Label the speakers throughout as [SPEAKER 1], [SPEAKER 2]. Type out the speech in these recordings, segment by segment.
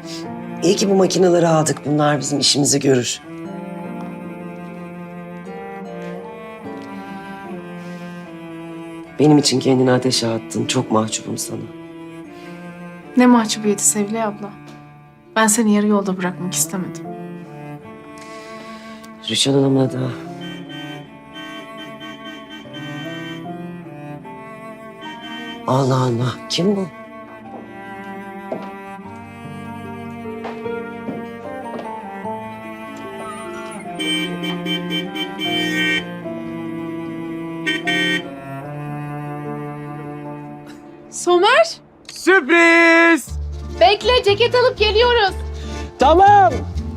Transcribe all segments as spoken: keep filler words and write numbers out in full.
[SPEAKER 1] İyi ki bu makineleri aldık. Bunlar bizim işimizi görür. Benim için kendini ateşe attın. Çok mahcubum sana.
[SPEAKER 2] Ne mahcubiyeti Sevilay abla. Ben seni yarı yolda bırakmak istemedim.
[SPEAKER 1] Rüçhan Hanım'la da... Allah Allah. Kim bu?
[SPEAKER 2] Somer!
[SPEAKER 3] Sürpriz!
[SPEAKER 2] Bekle, ceket alıp geliyoruz.
[SPEAKER 3] Tamam.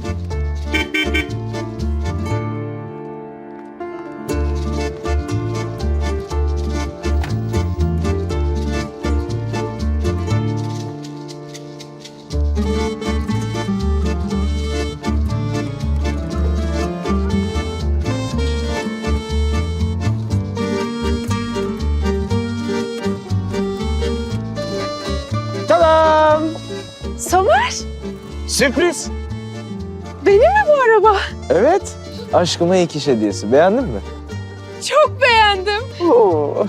[SPEAKER 3] Tamam.
[SPEAKER 2] Somer!
[SPEAKER 3] Sürpriz.
[SPEAKER 2] Benim mi bu araba?
[SPEAKER 3] Evet. Aşkıma ilk iş hediyesi. Beğendin mi?
[SPEAKER 2] Çok beğendim.
[SPEAKER 3] Oo.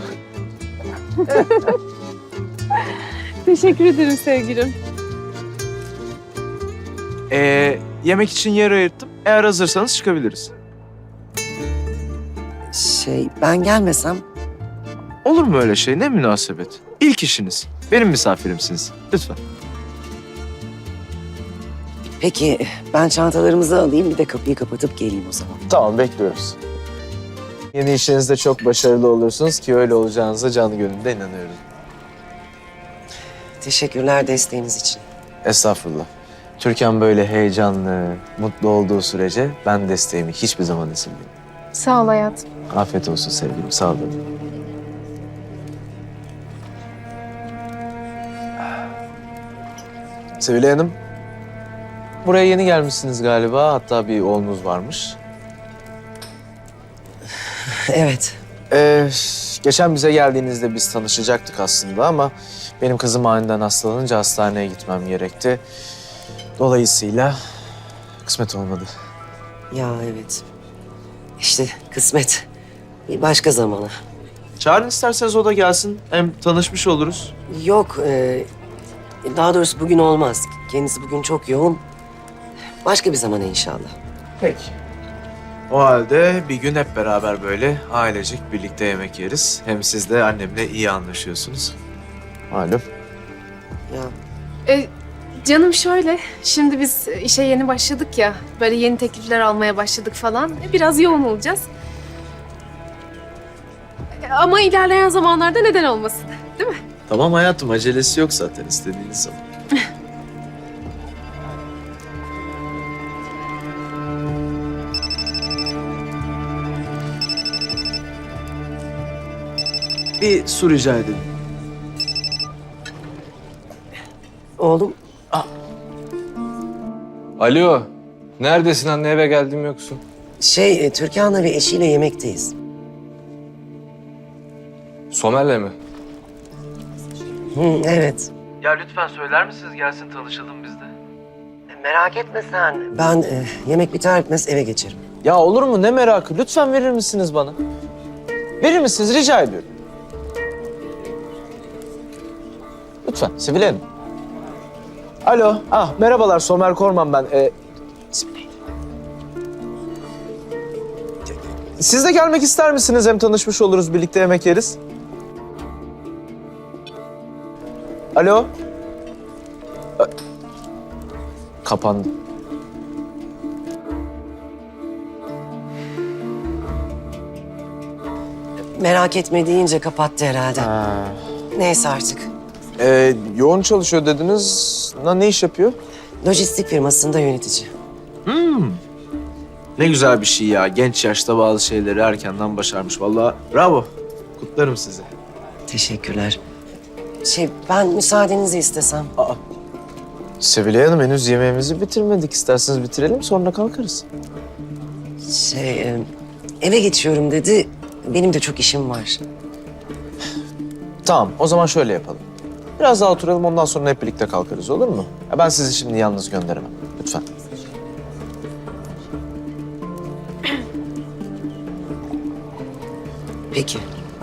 [SPEAKER 2] Teşekkür ederim sevgilim.
[SPEAKER 4] Ee, yemek için yer ayırttım. Eğer hazırsanız çıkabiliriz.
[SPEAKER 1] Şey, ben gelmesem...
[SPEAKER 4] Olur mu öyle şey? Ne münasebet. İlk işiniz. Benim misafirimsiniz. Lütfen.
[SPEAKER 1] Peki, ben çantalarımızı alayım. Bir de kapıyı kapatıp geleyim o zaman.
[SPEAKER 3] Tamam, bekliyoruz. Yeni işinizde çok başarılı olursunuz ki öyle olacağınıza canı gönülden inanıyorum.
[SPEAKER 1] Teşekkürler desteğiniz için.
[SPEAKER 3] Estağfurullah. Türkan böyle heyecanlı, mutlu olduğu sürece ben desteğimi hiçbir zaman esirgemem.
[SPEAKER 2] Sağ ol hayatım.
[SPEAKER 3] Afiyet olsun sevgilim, sağ olun. Sevilay Hanım, buraya yeni gelmişsiniz galiba. Hatta bir oğlunuz varmış.
[SPEAKER 1] Evet.
[SPEAKER 3] Ee, geçen bize geldiğinizde biz tanışacaktık aslında ama benim kızım aniden hastalanınca hastaneye gitmem gerekti. Dolayısıyla kısmet olmadı.
[SPEAKER 1] Ya evet. İşte kısmet. Bir başka zamana.
[SPEAKER 4] Çağırın isterseniz o da gelsin. Hem tanışmış oluruz.
[SPEAKER 1] Yok, e, daha doğrusu bugün olmaz. Kendisi bugün çok yoğun. Başka bir zamana inşallah.
[SPEAKER 4] Peki. O halde bir gün hep beraber böyle ailecek birlikte yemek yeriz. Hem siz de annemle iyi anlaşıyorsunuz.
[SPEAKER 3] Malum.
[SPEAKER 1] Ya
[SPEAKER 2] E, canım şöyle, şimdi biz işe yeni başladık ya, böyle yeni teklifler almaya başladık falan. E, Biraz yoğun olacağız. E, Ama ilerleyen zamanlarda neden olmasın, değil mi?
[SPEAKER 4] Tamam hayatım, acelesi yok zaten istediğiniz zaman. Bir su rica edelim.
[SPEAKER 1] oğlum,
[SPEAKER 5] Alo, neredesin anne? Eve geldim yoksun.
[SPEAKER 1] şey, e, Türkan'la ve eşiyle yemekteyiz.
[SPEAKER 5] Somer'le mi?
[SPEAKER 1] Hı, evet.
[SPEAKER 4] Ya lütfen söyler misiniz gelsin tanışalım biz de.
[SPEAKER 1] Merak etme sen. Ben e, yemek biter bitmez eve geçerim.
[SPEAKER 3] Ya olur mu? Ne merakı? Lütfen verir misiniz bana? Verir misiniz? Rica ediyorum. Lütfen Sevilay Hanım. Alo. Ah merhabalar Somer Korman ben. Ee, Siz de gelmek ister misiniz? Hem tanışmış oluruz, birlikte yemek yeriz. Alo. Ö- Kapandı.
[SPEAKER 1] Merak etme deyince kapattı herhalde.
[SPEAKER 3] Ha.
[SPEAKER 1] Neyse artık.
[SPEAKER 3] Ee, yoğun çalışıyor dediniz. Na, ne iş yapıyor?
[SPEAKER 1] Lojistik firmasında yönetici.
[SPEAKER 4] Hmm. Ne güzel bir şey ya. Genç yaşta bazı şeyleri erkenden başarmış. Vallahi bravo. Kutlarım sizi.
[SPEAKER 1] Teşekkürler. Şey, ben müsaadenizi istesem.
[SPEAKER 3] Aa. Sevilay Hanım henüz yemeğimizi bitirmedik. İsterseniz bitirelim sonra kalkarız.
[SPEAKER 1] Şey, e, eve geçiyorum dedi. Benim de çok işim var.
[SPEAKER 3] Tamam o zaman şöyle yapalım. Biraz daha oturalım, ondan sonra hep birlikte kalkarız, olur mu? Ya ben sizi şimdi yalnız gönderemem. Lütfen.
[SPEAKER 1] Peki.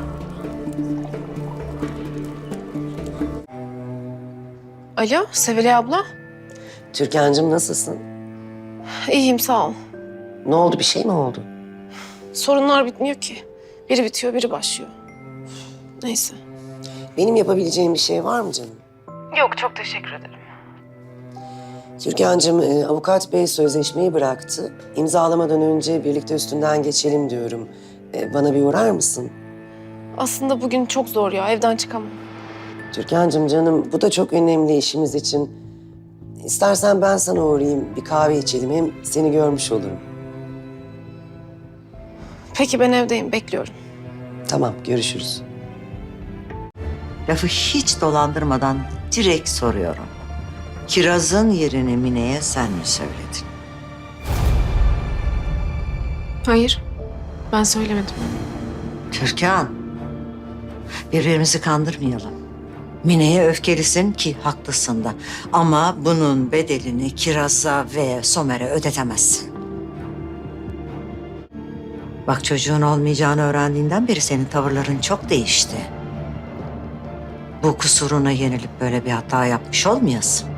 [SPEAKER 2] Alo, Sevilay abla.
[SPEAKER 1] Türkan'cığım nasılsın?
[SPEAKER 2] İyiyim, sağ ol.
[SPEAKER 1] Ne oldu, bir şey mi oldu?
[SPEAKER 2] Sorunlar bitmiyor ki. Biri bitiyor, biri başlıyor. Neyse.
[SPEAKER 1] Benim yapabileceğim bir şey var mı canım?
[SPEAKER 2] Yok, çok teşekkür ederim.
[SPEAKER 1] Türkan'cığım, e, avukat bey sözleşmeyi bıraktı. İmzalamadan önce birlikte üstünden geçelim diyorum. E, bana bir uğrar mısın?
[SPEAKER 2] Aslında bugün çok zor ya, evden çıkamam.
[SPEAKER 1] Türkan'cığım canım, bu da çok önemli işimiz için. İstersen ben sana uğrayayım, bir kahve içelim. Hem seni görmüş olurum.
[SPEAKER 2] Peki, ben evdeyim, bekliyorum.
[SPEAKER 1] Tamam, görüşürüz.
[SPEAKER 6] Lafı hiç dolandırmadan direkt soruyorum. Kiraz'ın yerini Mine'ye sen mi söyledin?
[SPEAKER 2] Hayır, ben söylemedim.
[SPEAKER 6] Türkan, birbirimizi kandırmayalım. Mine'ye öfkelisin ki haklısın da. Ama bunun bedelini Kiraz'a ve Somer'e ödetemezsin. Bak, çocuğun olmayacağını öğrendiğinden beri senin tavırların çok değişti. Bu kusuruna yenilip böyle bir hata yapmış olmayasın.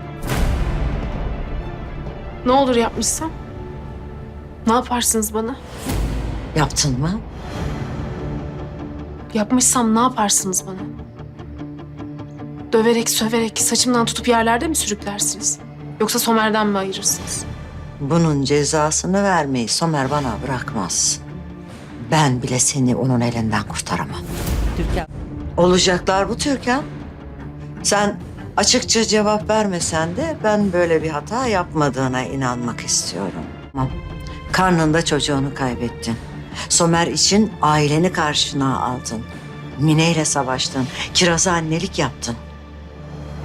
[SPEAKER 2] Ne olur yapmışsam? Ne yaparsınız bana?
[SPEAKER 6] Yaptın mı?
[SPEAKER 2] Yapmışsam ne yaparsınız bana? Döverek, söverek, saçımdan tutup yerlerde mi sürüklersiniz? Yoksa Somer'den mi ayırırsınız?
[SPEAKER 6] Bunun cezasını vermeyi Somer bana bırakmaz. Ben bile seni onun elinden kurtaramam. Türkan. Olacaklar bu Türkan. Sen açıkça cevap vermesen de ben böyle bir hata yapmadığına inanmak istiyorum. Tamam. Karnında çocuğunu kaybettin. Somer için aileni karşına aldın. Mine ile savaştın. Kiraz'a annelik yaptın.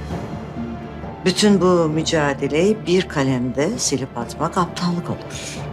[SPEAKER 6] Bütün bu mücadeleyi bir kalemde silip atmak aptallık olur.